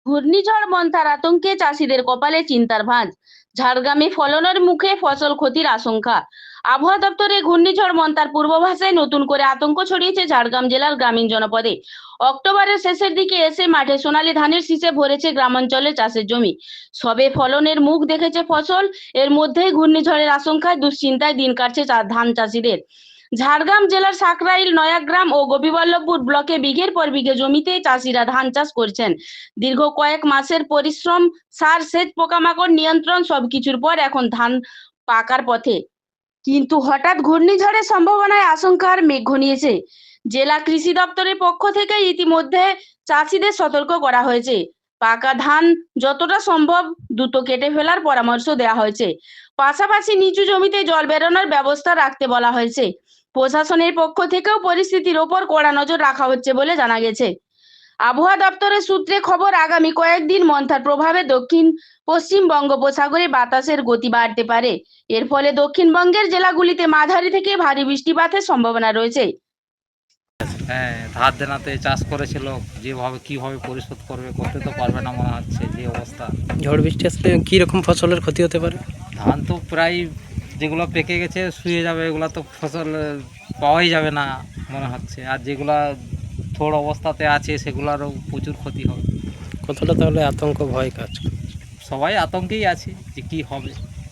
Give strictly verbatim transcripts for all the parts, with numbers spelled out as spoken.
ঘূর্ণিঝড় মন্থার আতঙ্কে চাষিদের কপালে চিন্তার ভাঁজ। ঝাড়গ্রামে ফলনের মুখে ফসল ক্ষতির আশঙ্কা। আবহাওয়া দপ্তরে ঘূর্ণিঝড় মন্থার পূর্বাভাসে নতুন করে আতঙ্ক ছড়িয়েছে ঝাড়গ্রাম জেলার গ্রামীণ জনপদে। অক্টোবরের শেষের দিকে এসে মাঠে সোনালী ধানের শীষে ভরেছে গ্রামাঞ্চলে চাষের জমি। সবে ফলনের মুখ দেখেছে ফসল, এর মধ্যেই ঘূর্ণিঝড়ের আশঙ্কায় দুশ্চিন্তায় দিন কাটছে ধান চাষিদের। ঝাড়গ্রাম জেলার সাকরাইল, নয়াগ্রাম ও গোপীবল্লভপুর ব্লকে বিঘের পর বিঘে জমিতে চাষিরা ধান চাষ করছেন। দীর্ঘ কয়েক মাসের পরিশ্রম, সার, সেচ, পোকামাকড় নিয়ন্ত্রণ সবকিছুর পর এখন ধান পাকার পথে। কিন্তু হঠাৎ ঘূর্ণিঝড়ের সম্ভাবনায় আশঙ্কার মেঘ ঘনিয়েছে। জেলা কৃষি দপ্তরের পক্ষ থেকে ইতিমধ্যে চাষিদের সতর্ক করা হয়েছে। পাকা ধান যতটা সম্ভব দ্রুত কেটে ফেলার পরামর্শ দেওয়া হয়েছে। পাশাপাশি নিচু জমিতে জল বেরোনোর ব্যবস্থা রাখতে বলা হয়েছে। প্রশাসনের পক্ষ থেকেও পরিস্থিতির ওপর কড়া নজর রাখা হচ্ছে বলে জানা গেছে। আবহাওয়া দপ্তরের সূত্রে খবর, আগামী কয়েকদিন মন্থার প্রভাবে দক্ষিণ পশ্চিম বঙ্গোপসাগরে বাতাসের গতি বাড়তে পারে। এর ফলে দক্ষিণবঙ্গের জেলাগুলিতে মাঝারি থেকে ভারী বৃষ্টিপাতের সম্ভাবনা রয়েছে। হ্যাঁ, ধার দেনাতে চাষ করেছিল, যেভাবে কিভাবে পরিশোধ করবে, করতে তো পারবে না মনে হচ্ছে যে অবস্থা। ঝড় বৃষ্টি আসলে কী রকম ফসলের ক্ষতি হতে পারে? ধান তো প্রায় যেগুলো পেকে গেছে শুয়ে যাবে, এগুলো তো ফসল পাওয়াই যাবে না মনে হচ্ছে। আর যেগুলা থোড় অবস্থাতে আছে সেগুলোরও প্রচুর ক্ষতি হবে। কতটা তাহলে আতঙ্ক, ভয় কাজ? সবাই আতঙ্কেই আছে যে কি হবে।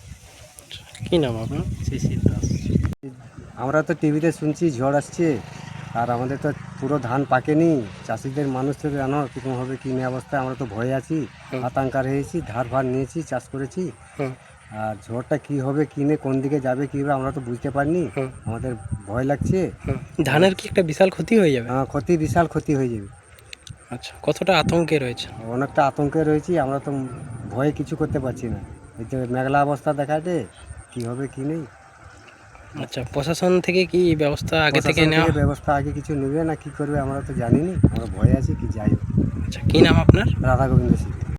কী নাম আপনার? শিশির দাস। আমরা তো টিভিতে শুনছি ঝড় আসছে, আর আমাদের তো পুরো ধান পাকেনি। চাষিদের মানুষ তো জানো কীরকম হবে, কী নিয়ে অবস্থায় আমরা তো ভয়ে আছি, আতঙ্কার হয়েছি, ধার ভার নিয়েছি, চাষ করেছি। আর ঝড়টা কী হবে, কী নিয়ে কোন দিকে যাবে, কী হবে আমরা তো বুঝতে পারিনি। আমাদের ভয় লাগছে। ধানের কি একটা বিশাল ক্ষতি হয়ে যাবে? হ্যাঁ, ক্ষতি, বিশাল ক্ষতি হয়ে যাবে। আচ্ছা, কতটা আতঙ্কে রয়েছে? অনেকটা আতঙ্কে রয়েছি, আমরা তো ভয়ে কিছু করতে পারছি না। এই তো মেঘলা অবস্থা দেখাতে, কী হবে কী নেই। আচ্ছা, প্রশাসন থেকে কি ব্যবস্থা আগে থেকে নেওয়া? ব্যবস্থা আগে কিছু নেবে না কি করবে আমরা তো জানি না, আমরা ভয়ে আছি কি যাই। আচ্ছা, কী নাম আপনার? রাধা গোবিন্দ সিং।